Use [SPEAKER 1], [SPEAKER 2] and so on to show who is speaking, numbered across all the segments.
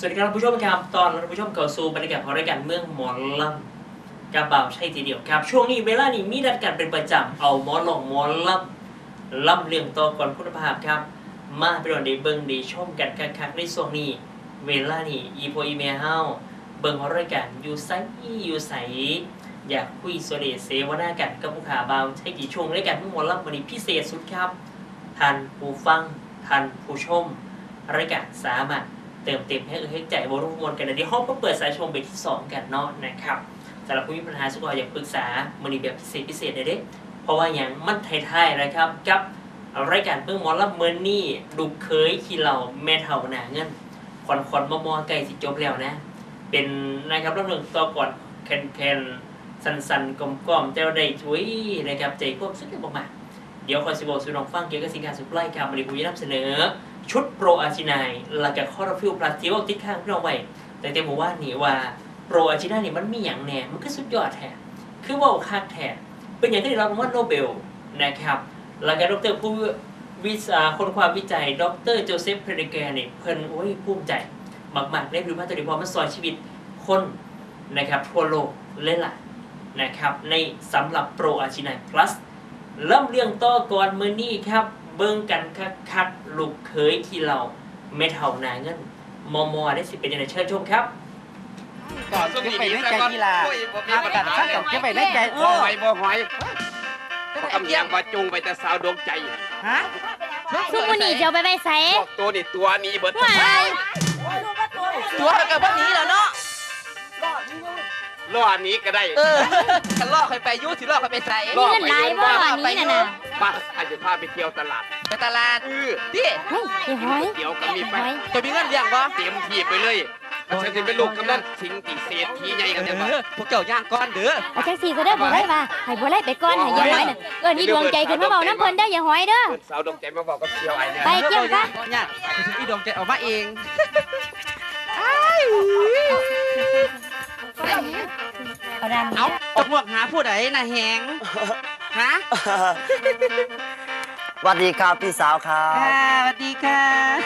[SPEAKER 1] วัสดีครับผู้ชมครับตอนรับผู้ชมเข้าสู่บรรยากาศของรายการเมืองหมอลำกระเป๋าใช่ทีเดียวครับช่วงนี้เวลานี้มีนัดกันเป็นประจำเอาหมอลงหมอลำเรื่องต่อก่อนคุณภาพครับมาไปดอนได้เบิ่งได้ชมกันคักๆในช่วงนี้เวลานี้อีโพอีเมลเฮาเบิ่งของรายการอยู่ไสอยากคุยโซเลเสวนากันกับผู้ขาเบาใช่กี่ช่วงรายการเมืองหมอลำวันนี้พิเศษสุดครับท่านผู้ฟังท่านผู้ชมรายการสามารถเติมเต็มให้ให้ใจบริวารกันนะเดี๋ยวห้องก็เปิดสายชมไปที่2กันเนาะนะครับสำหรับผู้มีปัญหาสุขภาพอยากปรึกษามันมีแบบพิเศษเลยเด้เพราะว่าอย่างมันไทยๆนะครับกับรายการเพิ่งหมอลำเมินนี่ดูเคยขี้เหล่าแม่เท่าหนาเงินคอนมอไก่สิจบแล้วนะเป็นนะครับเรื่องต่อก่อนแคนสันกลมๆแต่ได้ช่วยนะครับใจควบสุดยอดมากเดี๋ยวคอยสิบอกสู่น้องฟังเกี่ยวกับสิ่งการสุดไล่ครับมันมีผู้นำเสนอชุดโปรอาจินายหลังจากคอร์ฟิลพลัสที่ว่าติดข้างพี่น้องไว้แต่เต็มบอกว่านี่ว่าโปรอาจินายนี่มันมีอย่างแน่มันก็สุดยอดแท้คือว่าคักแท้เป็นอย่างที่ได้รับรางวัลโนเบลนะครับหลังจากดรผู้คนความวิจัยดรโจเซฟเพรเดแกร์เนี่ยเพิ่นโอ้ยภูมิใจมากๆได้รู้ว่าตัวนี้พอมันซอยชีวิตคนนะครับทั่วโลกเลยล่ะนะครับในสำหรับโปรอาจินาย plus เริ่มเรื่องต่อก่อนมื้อนี้ครับเบิ่งกันคักๆลูกเคยที่เราไม่เท่านาเงินมอได้สิเป็นยังไงเชิญชมครับ
[SPEAKER 2] ก่อนเก็บไปในใจกีฬาหาประกันช่างกับเก็บไปในใจ
[SPEAKER 3] บ่หอยคำยังว่าจุงไปแต่สาวดวงใจ
[SPEAKER 2] ฮะ
[SPEAKER 4] ซุมื้อนี้เจ้าไปไว้ไส
[SPEAKER 3] ตัวนี่ตัวนี้เบิด
[SPEAKER 2] ตัวกับพวกนี้แล้วเนาะ
[SPEAKER 3] ล่อนี้ก็ได้
[SPEAKER 2] กันล่อใครไปยุ่สิล่อใครไปใส่
[SPEAKER 4] มีเงินหลายบ่นี้น่ะ
[SPEAKER 3] ป้าอาจจะพาไปเที่ยวตลาด
[SPEAKER 2] ไปตลาดดิ
[SPEAKER 4] เฮ้ยไอ้หอย
[SPEAKER 3] เดี๋ยวก็มีไป
[SPEAKER 2] จะมีเงินเลี้ยงบ่
[SPEAKER 3] เตรียมที่ไปเลยฉันจะเป็นลูกกำนันสิงติเศรษฐีใหญ่กันเนี่ย
[SPEAKER 2] พวกเจ้าย่างก้อนเด้อ
[SPEAKER 4] เอาจังซี่ซะเด้อบ่ได้ว่าให้บ่ได้ไปก่อนให้อย่าหอยน่ะนี่ดวงใจขึ้นมาเว้านำเพิ่นเด้ออย่าหอยเด้อ
[SPEAKER 3] สาวดวงใจมาบอกกับเที่ยวไอ้เนี่ย
[SPEAKER 4] ไปเกี่ยวซะ
[SPEAKER 2] เนี่ยอีดวงใจออกมาเองเอาตกหมวกหาผู้ใดน่ะแหงฮะ
[SPEAKER 5] สวัสดีครับพี่สาวครับ
[SPEAKER 2] สวัสดีค่ะ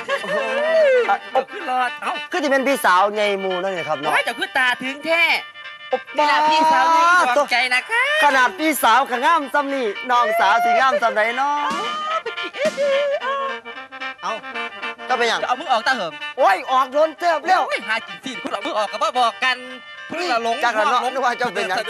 [SPEAKER 2] ขึ้นรอดเอ้า
[SPEAKER 5] คือที่เป็นพี่สาวไงมูนั่นเลยครับ
[SPEAKER 2] น้
[SPEAKER 5] อ
[SPEAKER 2] ยจะขึ้นตาถึงแท้นี่นะพี่สาวไงดวงใจนะคะ
[SPEAKER 5] ขนาดพี่สาวกับง่ามซ้ำนี่น้องสาวสีง่ามซ้ำไหนน้องเอาก็ไปอย่าง
[SPEAKER 2] เอามือออกตาเหิม
[SPEAKER 5] โอ้ยออกโดนเจ็บเร็ว
[SPEAKER 2] หากินสิคุณเอามือออกกับว่าบอกกันเพื่อหลง
[SPEAKER 5] จากนั้นนึกว่าเจ้าเป็นยัง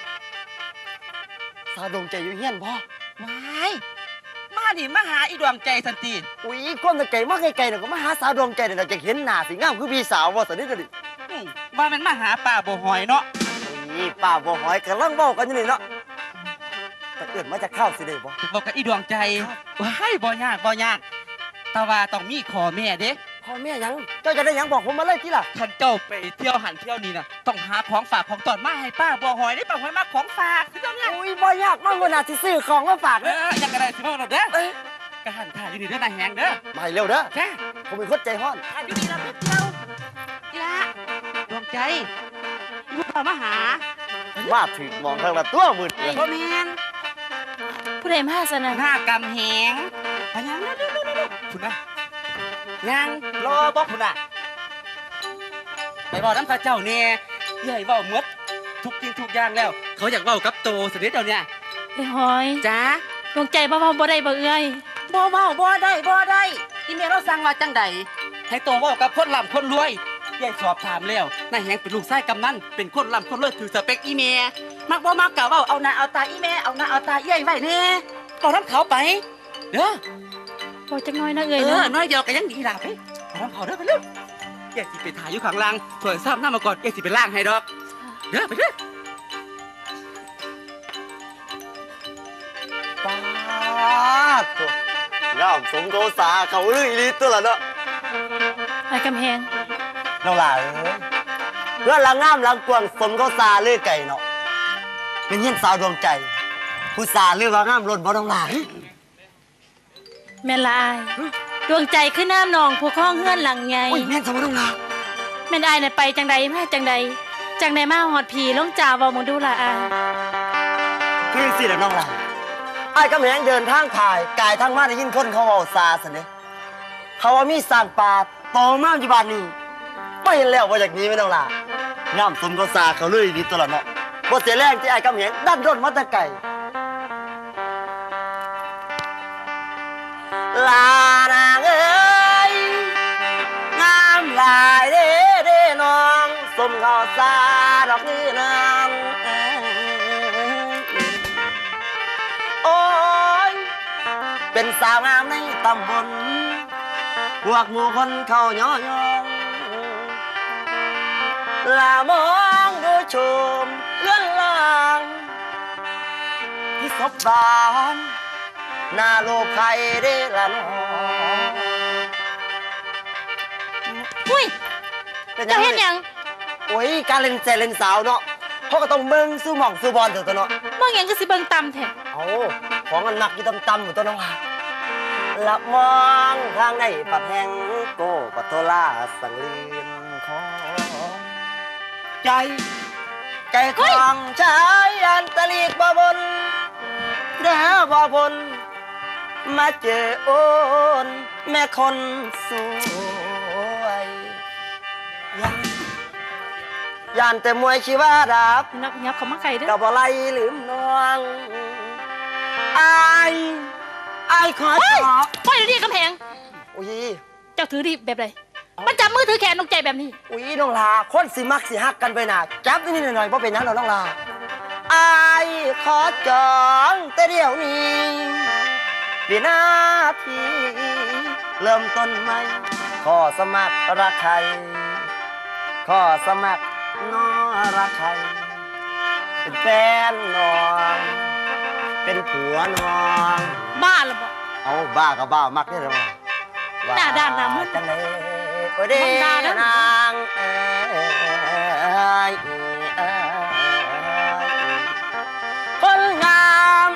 [SPEAKER 5] สาวดวงใจอยู่เฮี้ยนพ่อ
[SPEAKER 2] ไม่มาดิมาหาอีดวงใจสันติ
[SPEAKER 5] อุ้ยก้นตะไก่มาไกลๆเนี่ยก็มาหาสาวดวงใจเนี่ยจะเห็นหน้าสีง่ามคือพี่สาวว่าสันนิษฐาน
[SPEAKER 2] ว่ามันมาหาป่าบ่หอยเนาะ
[SPEAKER 5] นี่ป้าบ่หอยกำลังเบ้ากันอยู่นี่เนาะแต่เกิดมาจากข้าวสิเด้บ่
[SPEAKER 2] บอกกับอีดวงใจว้ายบ่ยากแต่ว่าต้องมีขอแม่เด้
[SPEAKER 5] พ่อแม่ยังเจ้าจะได้ยังบอกผมมาเลยที่ล่ะ
[SPEAKER 2] ท่านเจ้าไปเที่ยวหันเที่ยวนี่นะต้องหาของฝากของตอนมาให้ป้าบ่หอยได้ป้าหอยมาของฝากคือเจ้าเนี่ย
[SPEAKER 5] อุ้ยบ่ยากมากว่าน่าสิซื้อของมาฝากเด้
[SPEAKER 2] อยังกระไรสิพ่อเราเด้อกระหันถ่ายอยู่นี่เด้อนายแหงเด้อ
[SPEAKER 5] มาเร็วเด้อ
[SPEAKER 2] แค่
[SPEAKER 5] ผมเป็นคนใจห้อน
[SPEAKER 2] ถ่ายอยู่นี่เราไปเที่ยวกีฬาดวงใจลูกเรามาหา
[SPEAKER 5] ว่าถึงมองทางละตัวมืดเลย
[SPEAKER 2] พ่อแมน
[SPEAKER 4] ผู้ใดมาซะน่ะ
[SPEAKER 2] หน้ากำแหงพะยังคุณนะยังรอบอกคุณน่ะไปบอกน้ำตาเจ้าเนี่ยใหญ่เบาเมดทุกจริงทุกอย่างแล้วเขาอยากเบากับโตสุดฤทธิ์เดี๋ยวนี้
[SPEAKER 4] ไอ้หอย
[SPEAKER 2] จ้า
[SPEAKER 4] ดวงใจบ่บ่ได้บ่เอ้ย
[SPEAKER 2] บ่ได้ที่เมียเราสั่งมาจังใดให้โตเบากับคนร่ำคนรวยใหญ่สอบถามแล้วนายแหงเป็นลูกชายกำนันเป็นคนร่ำคนรวยถือสเปคอีเมียมักบ่มักกะเบาเอาหน้าเอาตาอีเมียเอาหน้าเอาตาใหญ่ไว้แน่เอาน้ำเขาไปเด้อ
[SPEAKER 4] พอจักน้อยนะเอ้ย
[SPEAKER 2] น้อยเดียวกันยังดีล่ะไปเอาน้ำเขาเด้อไปเร็วแกสิไปถ่ายอยู่ข้างล่างส่วนซ้ำหน้ามาก่อนแกสิไปล่างให้ดอกเด้อไปเด้อ
[SPEAKER 5] ป้าตัวง่ามสมโกษาเขาลืออีลิตัวละเนาะ
[SPEAKER 4] ไอ้กำแพง
[SPEAKER 5] น้องหลานเพื่อนละง่ามละกวงสมโกษาลือไก่เนาะเป็นเงี้ยสาวดวงใจผู้สาลือว่าง่ามหล่นบ่น้องหลาน
[SPEAKER 4] แม่ละอายดวงใจขึ้นน้ำนองผู้คล้องเฮือนหลังไง
[SPEAKER 5] แม่นสมน้องหลาน
[SPEAKER 4] แม่นอายน่ะไปจังใดมาจังใดมาหอดผีล้มจ่าเว้ามึงดูละอาย
[SPEAKER 5] คือสิละน้องหลานอ้ายกำแหงเดินทางถ่ายกายทางมาได้ยินคนเขาเว้าซาซั่นเด้เขาว่ามีสร้างป่าโตมากอยู่บ้านนี้ไม่เห็นแล้วว่าจากนี้ไม่ต้องลาน้ำสมก็สาเขาเลยดีตลอดเนาะบ่เสียแรงที่ไอ้กำเหงดันร่นมาแตะไก่ลานางเอ้ยงามหลายเด้เด้น้องสมเขาสาดอกนี้นางโอ้ยเป็นสาวงามในตำบลพวกหมู่คนเขาย่อยองลามองดูชมเลื่อนลางที่ศพบานหน้าโลภใครได้ละน้อง
[SPEAKER 4] อุ้ยเจ้าเห็นยัง
[SPEAKER 5] โอ้ยการเล่นแจเล่นสาวเนาะเขาก็ต้องเบิ่งสู้หม่องสู้บอลเถอะตัวเนาะ
[SPEAKER 4] เบิ่งหยังก็สิเบิ่งต่ำแท้
[SPEAKER 5] เอาของมันหนักอยู่ต่ำๆอยู่ตัวน้องหลับมองทางในปัดแห่งโกปัทโทลาสังลีนของใจของชายอันตลีกบ่บนเด้อบ่บนมาเจอโอนแม่คนสวยยานแต่มวยชีวาดับ
[SPEAKER 4] นับยับเข้ามาไกลเด้อ
[SPEAKER 5] กับอะไรลืมน้องอายขอจอ
[SPEAKER 4] ปล่อยเดี๋ยวนี้กำแพง
[SPEAKER 5] อุ้ย
[SPEAKER 4] เจ้าถือดีแบบไรมันจับมือถือแขนนกใจแบบนี้
[SPEAKER 5] อุ้ยน้องลาคนสิมักสิฮักกันไปน่ะจับนิดหน่อยๆเพราะเป็นนั้นเราน้องลาอายขอจองแต่เดี๋ยวนี้วินาทีเริ่มต้นใหม่ขอสมัครรักใครขอสมัครน้อรักใครเป็นแฟนน้องเป็นผัวน้อง
[SPEAKER 4] บ้าหรือเปล่า
[SPEAKER 5] เอาบ้ากับบ้ามักได้หรือเปล่า
[SPEAKER 4] หน้าด้านหน้ามึน
[SPEAKER 5] จังเลยโอ้ยเด้
[SPEAKER 4] มันด่านะ
[SPEAKER 5] นางคนงาม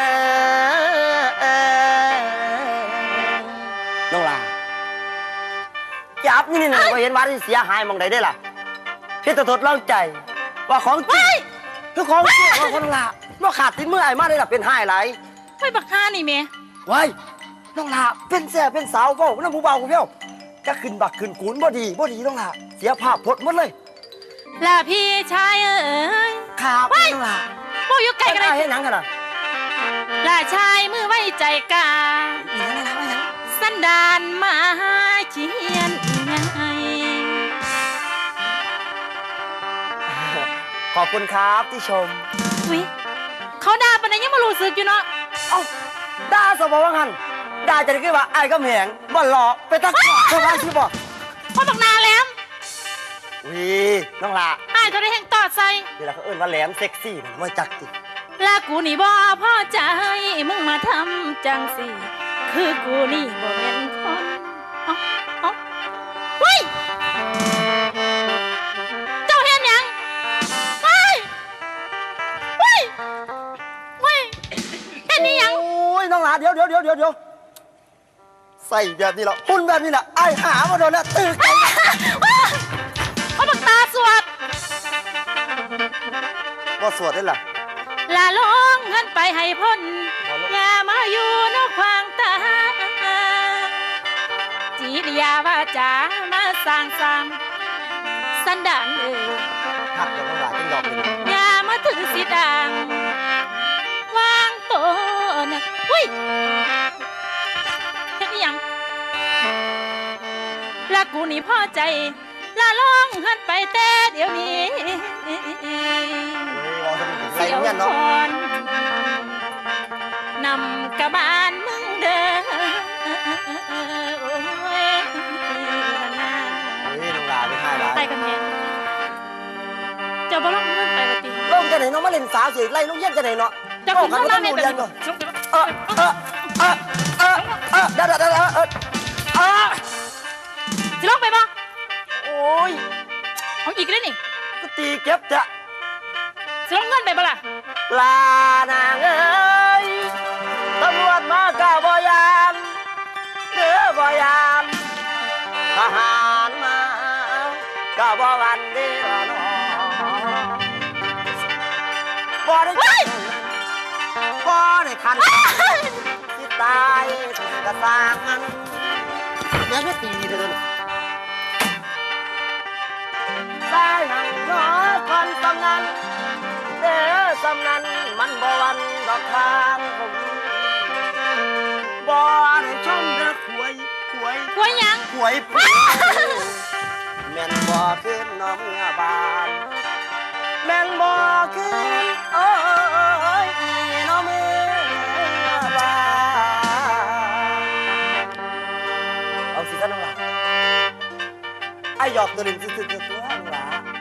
[SPEAKER 5] น้องลาจับนี่หน่อยก็เห็นว่าที่เสียหายมองใดได้ล่ะพี่ตะทดลองใจว่าของจริงคือของจริงของคนน้องลาว่าขาดที่มือไอ้มาได้ล่ะเป็นหายไหล
[SPEAKER 4] ไปบักฆ่านี่เม
[SPEAKER 5] ไว้น้องลาเป็นแซ่เป็นสาวเว้าน้ำผู้เบากูเพี้ยวจะขึ้นบักขึ้นกูนบ่ดีน้องลาเสียภาพพจน์หมดเลย
[SPEAKER 4] ล่ะพี่ชายเอ้ย
[SPEAKER 5] ครับน้องลา
[SPEAKER 4] โบอยู่ไกลกันเล
[SPEAKER 5] ได้
[SPEAKER 4] ย
[SPEAKER 5] เห็นหนังกันอ่ะ
[SPEAKER 4] ล่ะชายมือไว้ใจกลาง
[SPEAKER 5] อีหยังน้องลาว่าหยัง
[SPEAKER 4] สันดานมาเชียนไง
[SPEAKER 5] ขอบคุณครับที่ชม
[SPEAKER 4] อุ้ยเขาด่าปานนั้นยังมารู้สึกอยู่เนาะ
[SPEAKER 5] เอ้าด่าสมบังหันด่าจะได้คือว่าไอ้ก็แหงบ่หล่อไปตักเท่าไรที่บอก
[SPEAKER 4] พอบักนาแหลม
[SPEAKER 5] วีน้องลา
[SPEAKER 4] อ้ายเขาได้แห่งตอดใส่
[SPEAKER 5] เวลาเขาเอิ้นว่าแหลมเซ็กซี่นะว่าจักจิ
[SPEAKER 4] ลากูนี่บ่พ่อใจมึงมาทำจังสิคือกูนี่บ่เป็นคนเอาเฮ้ยเจ้าเห็นหยังเฮ้ยเฮ้ยเฮ้ยเห็นนี่หยัง
[SPEAKER 5] โอ้ยน้องลาเดี๋ยวใส่แบบนี้เหรอหุ่นแบบนี้แหละไอ้หามาโดนแล้วตื่นใจ
[SPEAKER 4] เอาบักตาสวด
[SPEAKER 5] ว่าสวดได้ล่ะ
[SPEAKER 4] ลาลงเงินไปให้พ้นอย่ามาอยู่นอกควางตาจีริยาว่าจ๋ามาสร้างสรรค์สันดานเอ่ย
[SPEAKER 5] หักเดี๋ยวน้องลาต้องยอมเลย
[SPEAKER 4] อย่ามาถือสีดังวางตัวนะอุ้ยเฮ็ดอิหยังลากูนี่พอใจลาลองหันไปแต่เดี๋ยวนี้
[SPEAKER 5] ไรเนี่ยเนาะ
[SPEAKER 4] คนนำกระบาลมึงเด้อโอ้ยนา
[SPEAKER 5] เฮ้ยน้องลาไม่ให้ร้า
[SPEAKER 4] ไป
[SPEAKER 5] ย
[SPEAKER 4] กันแทนเจ้าบ่ลองเงินไปว่าติ
[SPEAKER 5] ลงจะไหนน้องมาเล่นสาวสิไล่ลูกเย็นจะไหนเนาะ
[SPEAKER 4] เจ้าคุณต้องมาเฮ็ดแบบนี้
[SPEAKER 5] เดี๋ยว
[SPEAKER 4] สิลองไปบ่
[SPEAKER 5] โอ้ย
[SPEAKER 4] เอาอีกเลยนี่
[SPEAKER 5] ก็ตีเก็บจะ
[SPEAKER 4] สิลองเงินไปบ่ล่ะ
[SPEAKER 5] ลานางเอ้ยตำรวจมาก้าบ่ยานเด้อบ่ยานทหารมาก้าบ่วันเด้อน้องบ่ได้คันที่ตายกระสร้างมันแม่ก็ตีเถอะค่าหนังน้อคนสำนันเด้อสำนันมันบ่วันดอกทางผมบ่ได้ชมเด้อขวย
[SPEAKER 4] กล้วยหยัง
[SPEAKER 5] ขวยผู้แม่นบ่ขึ้นน้องเมื่อบานแม่นบ่ขึ้นโอ้ยน้องเมื่อบานเอาสิซะน้องหลาไอ้หยอกตัวเล่นซื่อๆตัวน้องหลา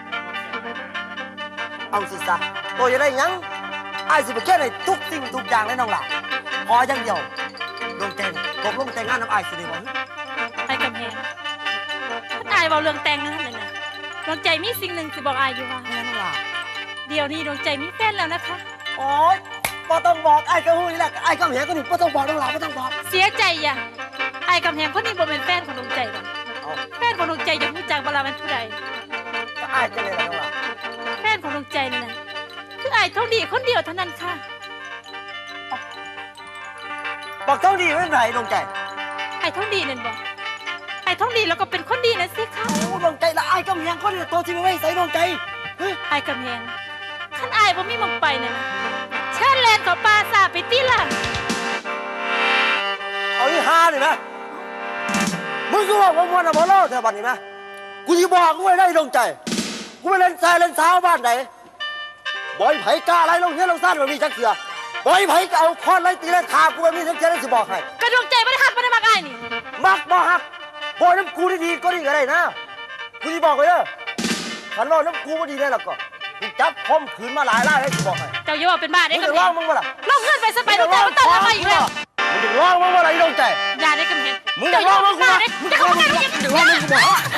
[SPEAKER 5] เอาสิซะตัวจะได้หยังไอ้สิไปแค่ในทุกสิ่งทุกอย่างเลยน้องหลาขออย่างเดียวดวงใจตกลงแต่งงานน้ำไอ้สิได้บ่
[SPEAKER 4] ไอ้กำแพงถ้าอายเบาเรื่องแต่งนั่นเลยนะดวงใจมีสิ่งหนึ่งสิบอกอายอยู่ว่า
[SPEAKER 5] แม่น้องหลา
[SPEAKER 4] เดี๋ยวนี้ดวงใจมีแฟนแล้วนะคะ
[SPEAKER 5] โอ๊ยบ่ต้องบอกไอ้กระหูนี่แหละไอ้กำแหงก็นี่บ่ต้องบอกน้องหลาบ่ต้องบอก
[SPEAKER 4] เสียใจอย่าไอ้กำแพงคนนี้บ่เป็นแฟนของดวงใจหรอก
[SPEAKER 5] เอา
[SPEAKER 4] แฟนของดวงใจจะรู้จักเวลามันผู้ใด
[SPEAKER 5] ก็ไอ้จะเลยล่ะน้องหลา
[SPEAKER 4] แฟนของดวงใจนี่นะคือไอ้เท่าดีคนเดียวเท่านั้นค่ะ
[SPEAKER 5] บอกเท่าดีไม่เป็นไรดวงใจ
[SPEAKER 4] ไอ้เท่าดีนั่นบอกไอ้เท่าดีแล้วก็เป็นคนดีนะสิค่ะ
[SPEAKER 5] โอ้ดวงใจละไอ้กำแหงคนนี่ตัวที่ไม่ใส่ดวงใจเฮ้ย
[SPEAKER 4] ไอ้กำแพงขันไอ้บ่มีหมองไปน่ะนะเชิญแลนเขาปลาสาไปตีล่ะ
[SPEAKER 5] เอาอีห่านี่นะมึงก็บอกว่ามันอะบ่รอดแต่บัดนี้นะกูสิบอกกูไว้ได้ดวงใจกูไปเล่นทรายเล่นสาวบ้านไหนบ่อยไผกล้าอะไรลงเฮียลงซ่านแบบนี้จักเสือบ่อยไผก็เอาค้อนไล่ตีไล่ขากูแบบนี้จักเสือได้สิบอกให้
[SPEAKER 4] กระดวงใจไม่ได้หักไม่ได้มักไอ้นี่
[SPEAKER 5] มักบ่ฮักบ่น้ำกูดีๆก็ดีก็ได้นะกูสิบอกไว้เด้อขันรอน้ำกูบ่ดีได้แล้วก็กูจับคมขืนมาหลายล่ายให้สิบอกให้
[SPEAKER 4] เจ้าอย่าว่าเป็นบ้าได้
[SPEAKER 5] มึง
[SPEAKER 4] กำ
[SPEAKER 5] จะ
[SPEAKER 4] แพ
[SPEAKER 5] ร้อง งมึงบ่ล่ะ
[SPEAKER 4] ลงเงินไปสไปดวงใจมันต้องทำไมอีกแล้ว
[SPEAKER 5] มึงจะร้องมึงบ่ล่ะไอ้ดวงใจ
[SPEAKER 4] อย่าได้กำแพง
[SPEAKER 5] มึงจะร้องมึงกู
[SPEAKER 4] บ้า
[SPEAKER 5] บ่
[SPEAKER 4] ได้
[SPEAKER 5] มึง
[SPEAKER 4] จะ
[SPEAKER 5] จะร้
[SPEAKER 4] เข้า
[SPEAKER 5] อง
[SPEAKER 4] มา
[SPEAKER 5] มึง
[SPEAKER 4] ได้
[SPEAKER 5] จะร้องมึงกูบ่